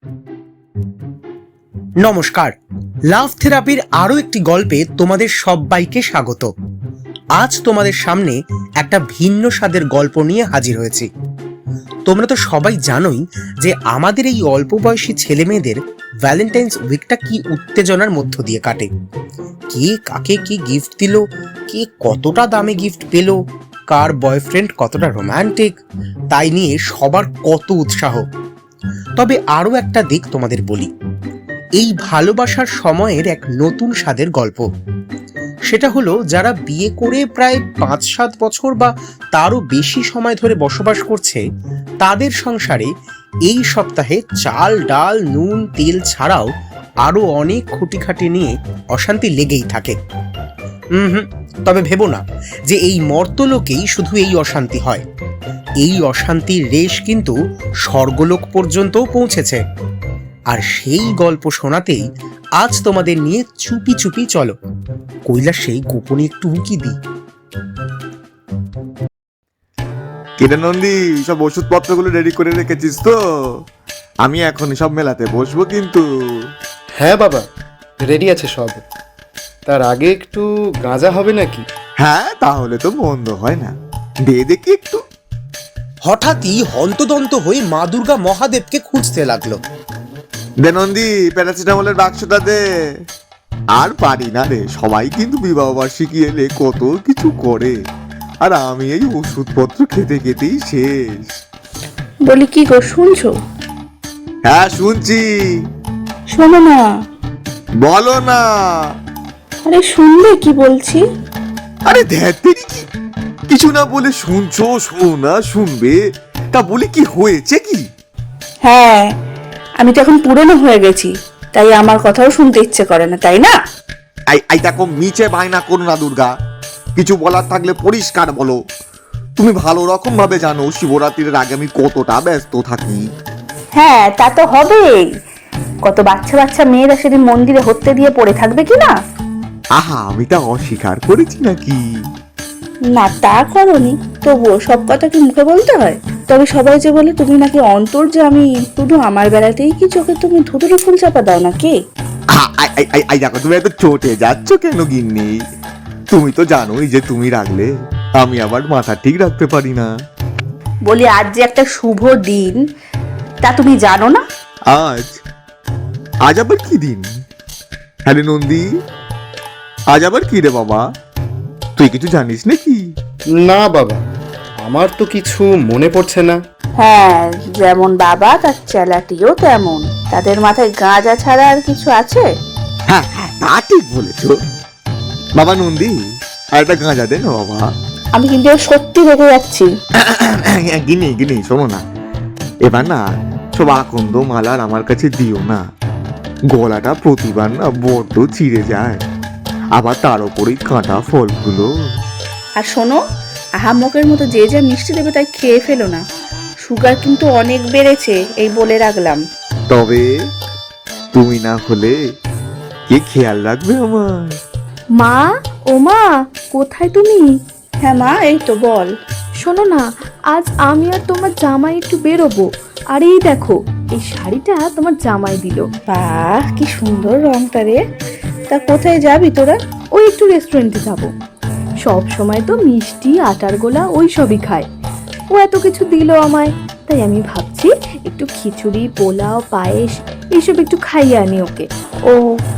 নমস্কার, লাভ থেরাপির আরো একটি গল্পে তোমাদের সবাইকে স্বাগত। আজ তোমাদের সামনে একটা ভিন্ন স্বাদের গল্প নিয়ে হাজির হয়েছি। তোমরা তো সবাই জানোই যে আমাদের এই অল্প বয়সী ছেলে মেয়েদের ভ্যালেন্টাইন্স উইকটা কি উত্তেজনার মধ্য দিয়ে কাটে। কে কাকে কি গিফট দিল, কে কতটা দামে গিফট পেল, কার বয়ফ্রেন্ড কতটা রোম্যান্টিক, তাই নিয়ে সবার কত উৎসাহ। তবে আরো একটা দিক তোমাদের বলি, এই ভালোবাসার সময়ের এক নতুন স্বাদের গল্প। সেটা হলো যারা বিয়ে করে প্রায় 5-7 বছর বা তারও বেশি সময় ধরে বসবাস করছে, তাদের সংসারে এই সপ্তাহে চাল ডাল নুন তেল ছাড়াও আরো অনেক খুঁটিখাটি নিয়ে অশান্তি লেগেই থাকে। তবে ভেবো না যে এই মর্তলোকেই শুধু এই অশান্তি হয়। এই অশান্তির রেশ কিন্তু স্বর্গলোক পর্যন্তও পৌঁছেছে। আর সেই গল্প শোনাতেই আজ তোমাদের নিয়ে চুপি চুপি চলো কৈলাস সেই গোপনে একটু উঁকি দিই। কিরে নন্দী, সব ওষুধপত্রগুলো রেডি করে রেখেছিস তো? আমি এখন সব মেলাতে বসবো কিন্তু। হ্যাঁ বাবা, রেডি আছে সব। তার আগে একটু গাঁজা হবে নাকি? হ্যাঁ, তাহলে তো মন্দ হয় না, দে দেখি একটু। হঠাৎই হন্তদন্ত হয়ে মা দুর্গা মহাদেবকে খুঁজতে লাগলো। দে নন্দী, প্যারাসিটামলের বাক্সটা দে। আর পারি না রে, সবাই কিন্তু বিবাহ বার্ষিকী এলে কত কিছু করে, আর আমি এই ওষুধপত্র খেতে খেতেই শেষ। বলি কি গো, শুনছো? হ্যাঁ শুনছি। শোনো না। বলো না। আরে শুনবে কি বলছি? আরে ধ্যাত্তেরি, কিছু না বলে শুনছো, শোনা শুনবে, তা বলি কি হয়েছে কি? হ্যাঁ, আমি তো এখন পুরনো হয়ে গেছি, তাই আমার কথাও শুনতে ইচ্ছে করে না, তাই না? এই দেখো, মিছে বায়না করো না দুর্গা, কিছু বলার থাকলে পরিষ্কার বলো। তুমি ভালো রকম ভাবে জানো শিবরাত্রির আগে আমি কতটা ব্যস্ত থাকি। হ্যাঁ, তা তো হবেই। কত বাচ্চা বাচ্চা মেয়েরা সেদিন মন্দিরে হত্যে দিয়ে পড়ে থাকবে কি না? আহা, আমি তা অস্বীকার করেছি নাকি? না, তা করনি, তবুও সব কথা কি মুখে বলতে হয়? তবে সবাই যে বলে তুমি নাকি অন্তর্যামী, শুধু আমার বেলাতেই কি চোখে তুমি ধুতুরি ফুল চাপা দাও নাকি? এই দেখো, তুমি এত চটে যাচ্ছ কেন গিন্নি? তুমি তো জানোই যে তুমি রাখলে আমি আবার মাথা ঠিক রাখতে পারি না। বলি আজ যে একটা শুভ দিন, তা তুমি জানো না? আজ আজ আবার কি দিন? হ্যাঁ রে নন্দী, আজ আবার কি রে বাবা? তুই কিছু জানিস নাকি? না বাবা, আমার তো কিছু মনে পড়ছে না। হ্যাঁ, যেমন বাবা তার চেলাটিও তেমন। তাদের মাথায় গাঁজা ছাড়া আর কিছু আছে? হ্যাঁ, তা ঠিক বলেছো বাবা। নন্দী, আর একটা গাঁজা দে না বাবা। আমি কিন্তু সত্যি রেগে যাচ্ছি। গিনি গিনি, শোনো না, এবার না সব আকন্দ মালার আমার কাছে দিও না। গলাটা প্রতিবার না বড্ড চিড়ে যায়, আবার তার উপরেই কাঁটা ফলগুলো। আর শোনো, আহাম্মকের মতো যে যা মিষ্টি দেবে তাই খেয়ে ফেলো না। সুগার কিন্তু অনেক বেড়েছে, এই বলে রাখলাম। তবে তুমি না হলে কে খেয়াল রাখবে আমার? মা, ও মা, কোথায় তুমি? হ্যাঁ মা, এই তো বল। শোনো না, আজ আমি আর তোমার জামাই একটু বেরোবো। আর এই দেখো, এই শাড়িটা তোমার জামাই দিল। বাহ, কি সুন্দর রংটা রে। তা কোথায় যাবি তোরা? ওই একটু রেস্টুরেন্টে যাব। সব সময় তো মিষ্টি আটার গোলা ওই সবই খায়। ও এত কিছু দিল আমায়, তাই আমি ভাবছি একটু খিচুড়ি, পোলাও, পায়েস এইসব একটু খাইয়ে আনি ওকে। ও,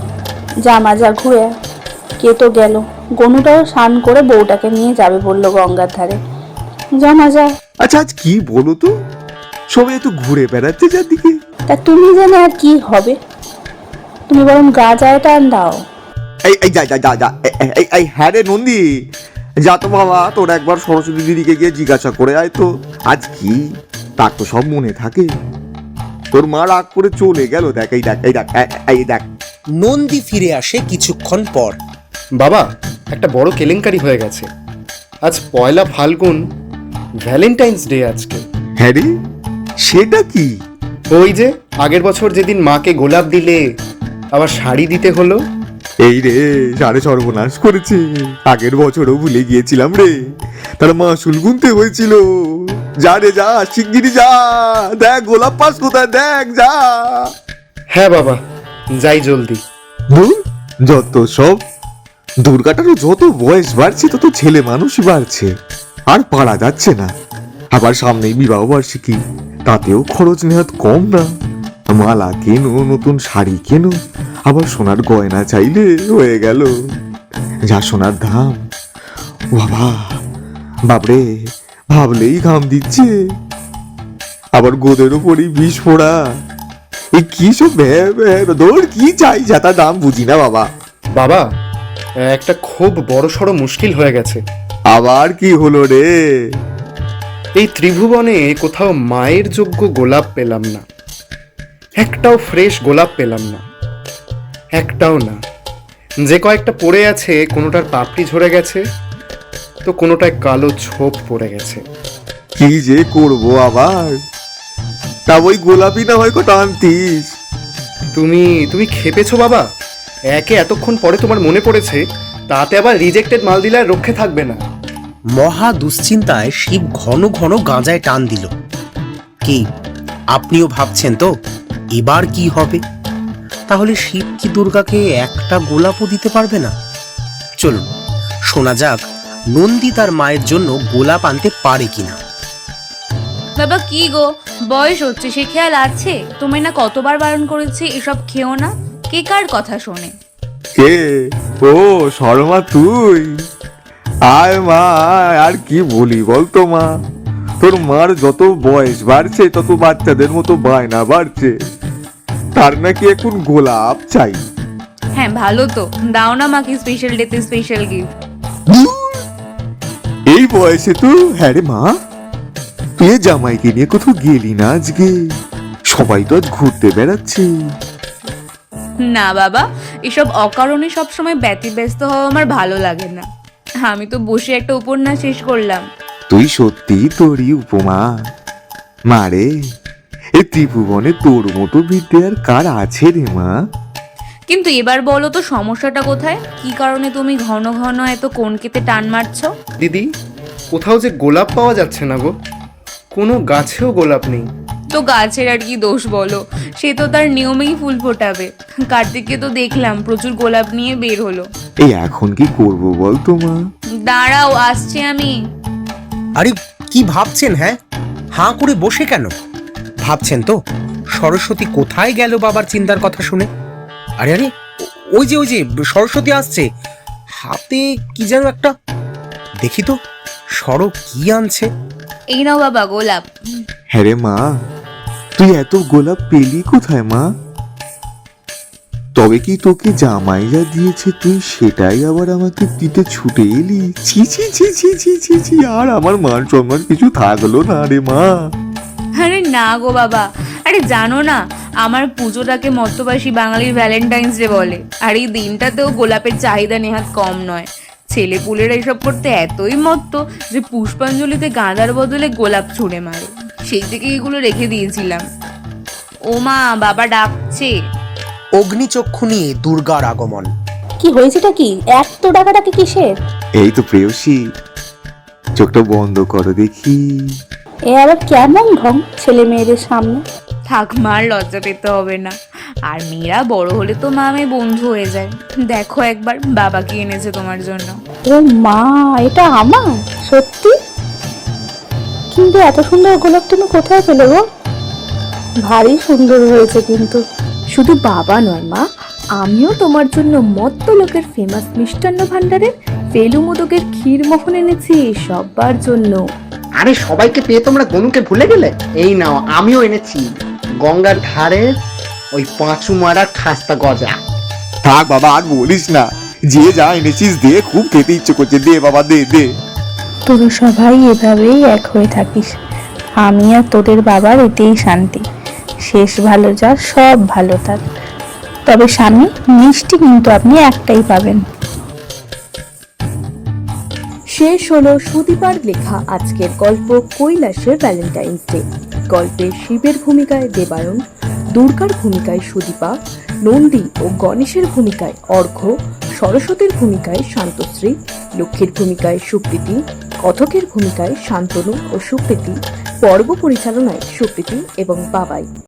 জামা যা ঘুরে। কে তো গেল, গনুটাও স্নান করে বউটাকে নিয়ে যাবে বললো গঙ্গার ধারে। জামা যা। আচ্ছা, আজ কি বলো তো, সবাই একটু ঘুরে বেড়াচ্ছে চারদিকে। তা তুমি জানো আর কি হবে? তুমি বরং গাঁজায় টান দাও। এই যা যা যা যা, এই হ্যাঁ রে নন্দী, যা তো বাবা, তোর একবার সরস্বতী দিদিকে গিয়ে জিজ্ঞাসা করে আয় তো আজ কি। তার তো সব মনে থাকে। তোর মা রাগ করে চলে গেল, দেখ এই দেখ এই দেখ এই দেখ। নন্দী ফিরে আসে কিছুক্ষণ পর। বাবা, একটা বড় কেলেঙ্কারি হয়ে গেছে। আজ পয়লা ফাল্গুন, ভ্যালেন্টাইন্স ডে আজকে। হ্যাঁ রে, সেটা কি? ওই যে আগের বছর যেদিন মাকে গোলাপ দিলে, আবার শাড়ি দিতে হলো, এই রে, সাড়ে সর্বনাশ করেছে। আগের বছরও ভুলে গিয়েছিলাম রে, তার মাসুল গুনতে হয়েছিল। যা রে যা, শিগগিরি যা, দেখ গোলাপ পাস কোথায়, দেখ যা। হ্যাঁ বাবা, যাই জলদি। ধুর, যত সব। দুর্গাটারও যত বয়স বাড়ছে তত ছেলে মানুষ বাড়ছে, আর পারা যাচ্ছে না। আবার সামনেই বিবাহ বার্ষিকী, তাতেও খরচ নেহাত কম না। মালা কেনো, নতুন শাড়ি কেনো, আবার সোনার গয়না চাইলে হয়ে গেল। যা সোনার দাম, বাবা বাবরে, ভাবলেই ঘাম দিচ্ছে। আবার গোদের ওপরই বিষ ফোড়া। এই কি সব দৌড়, কি চাই যা তার দাম বুঝি না বাবা। বাবা, একটা খুব বড়সড় মুশকিল হয়ে গেছে। আবার কি হলো রে? এই ত্রিভুবনে কোথাও মায়ের যোগ্য গোলাপ পেলাম না, একটাও ফ্রেশ গোলাপ পেলাম না, একটাও না। যে কয়েকটা পড়ে আছে, কোনোটার পাপড়ি ঝরে গেছে, তো কোনোটায় কালো ছোপ পড়ে গেছে। কি যে করবো আবার? তা ওই গোলাপি না হয় কটা আনতিস। তুমি তুমি খেপেছো বাবা? একে এতক্ষণ পরে তোমার মনে পড়েছে, তাতে আবার রিজেক্টেড মাল দিলে আর রক্ষে থাকবে না। মহা দুশ্চিন্তায় শিব ঘন ঘন গাঁজায় টান দিল। কি আপনিও ভাবছেন তো এবার কি হবে? তাহলে শিব কি দুর্গাকে একটা গোলাপও দিতে পারবে না? চলুন শোনা যাক নন্দী তার মায়ের জন্য গোলাপ আনতে পারে কিনা। বাবা কি গো, বয়স হচ্ছে, সে খেয়াল আছে? তুমি না কতবার বারণ করেছি এসব খেও না। কে কার কথা শোনে? কে? ও শর্মা, তুই আয় মা, আয়। আর কি বলি বলতো মা, তোর মার যত বয়স বাড়ছে তত বাচ্চাদের মতো বায়না বাড়ছে। তার নাকি এখন গোলাপ চাই। হ্যাঁ ভালো তো, দাও না মাকে স্পেশাল ডেতে স্পেশাল গিফট। এই বয়সে তো? হ্যাঁ রে মা, তুই জামাইকে নিয়ে কোথাও গেলি না আজকে? সবাই তো আজ ঘুরতে বেড়াচ্ছে। না বাবা, এসব অকারণে সবসময় ব্যতিব্যস্ত হওয়া আমার ভালো লাগে না। আমি তো বসে একটা উপন্যাস শেষ করলাম। তুই সত্যি তোরই উপমা মারে। এই ত্রিভুবনে তোর মতো বিদ্যে আর কার আছে রে মা? কিন্তু এবার বলো তো সমস্যাটা কোথায়? কি কারণে তুমি ঘন ঘন এত কোনকেতে টান মারছো? দিদি, কোথাও যে গোলাপ পাওয়া যাচ্ছে না গো, কোনো গাছেও গোলাপ নেই। তো গাছের আর কি দোষ বলো, সে তো তার নিয়মেই ফুল ফোটাবে। কার্তিককে তো দেখলাম প্রচুর গোলাপ নিয়ে বের হলো। এই এখন কি করব বল তো মা? দাঁড়াও, আসছি আমি। আরে কি ভাবছেন? হ্যাঁ, হাঁ করে বসে কেন? ভাবছেন তো সরস্বতী কোথায় গেল বাবার চিন্তার কথা শুনে? আরে আরে, ওই যে সরস্বতী আসছে, হাতে কি যেন একটা। দেখি তো সর কি আনছে। এই নাও বাবা গোলাপ। হ্যাঁ রে মা, তুই এত গোলাপ পেলি কোথায় মা? তবে কি তোকে জামাই যা দিয়েছে তুই সেটাই আবার আমাকে দিতে ছুটে এলি? ছি ছি ছি ছি ছি ছি ছি, আর আমার মান সম্মান কিছু থাকলো না রে মা। আরে না গো বাবা, আরে জানো না আমার পুজোটাকে মর্তবাসী বাঙালির ভ্যালেন্টাইন্স ডে বলে। আর এই দিনটাতেও গোলাপের চাহিদা নেহাত কম নয়। ছেলেপুলেরা এসব করতে এতই মত্ত যে পুষ্পাঞ্জলিতে গাঁদার বদলে গোলাপ ছুঁড়ে মারে। সেই থেকে এগুলো রেখে দিয়েছিলাম। ও মা, বাবা ডাকছে। অগ্নিচক্ষু নিয়ে দুর্গার আগমন। কি হয়েছেটা কি? এত টাকাটাকে কিসের? এই তো প্রেয়সী, চোখটা বন্ধ করো দেখি। এ আবার কেমন ঢং ছেলে মেয়েদের সামনে? থাক মার, লজ্জা পেতে হবে না। আর মেয়েরা বড় হলে তো মা মেয়ে বন্ধু হয়ে যায়। দেখো একবার বাবা কি এনেছে তোমার জন্য। ও মা, এটা আমার? সত্যি? কিন্তু এত সুন্দর গোলাপ তুমি কোথায় পেলে গো? ভারী সুন্দর হয়েছে কিন্তু। শুধু বাবা নয় মা, আমিও তোমার জন্য মত্ত লোকের ফেমাস মিষ্টান্ন ভাণ্ডারের ফেলু মোদকের ক্ষীর মোহন এনেছি সবার জন্য। আরে সবাইকে পেয়ে তোমরা গনুকে ভুলে গেলে? এই নাও, আমিও এনেছি গঙ্গার ধারে ওই পাঁচু মারার খাস্তা গজা। থাক বাবা, আর বলিস না। যে যা এনেছিস দে, খুব খেতে ইচ্ছে করছে, দে বাবা দে দে। তোরা সবাই এভাবেই এক হয়ে থাকিস। আমি আর তোদের বাবার এতেই শান্তি। শেষ ভালো যার সব ভালো তার। তবে স্বামী, মিষ্টি কিন্তু আপনি একটাই পাবেন। শেষ হলো সুদীপার লেখা আজকের গল্প কৈলাসের ভ্যালেন্টাইন্স ডে। গল্পে শিবের ভূমিকায় দেবায়ন, দুর্গার ভূমিকায় সুদীপা, নন্দী ও গণেশের ভূমিকায় অর্ঘ্য, সরস্বতীর ভূমিকায় শান্তশ্রী, লক্ষ্মীর ভূমিকায় সুপ্রীতি, কথকের ভূমিকায় শান্তনু ও সুপ্রীতি, পর্ব পরিচালনায় সুপ্রীতি এবং বাবাই।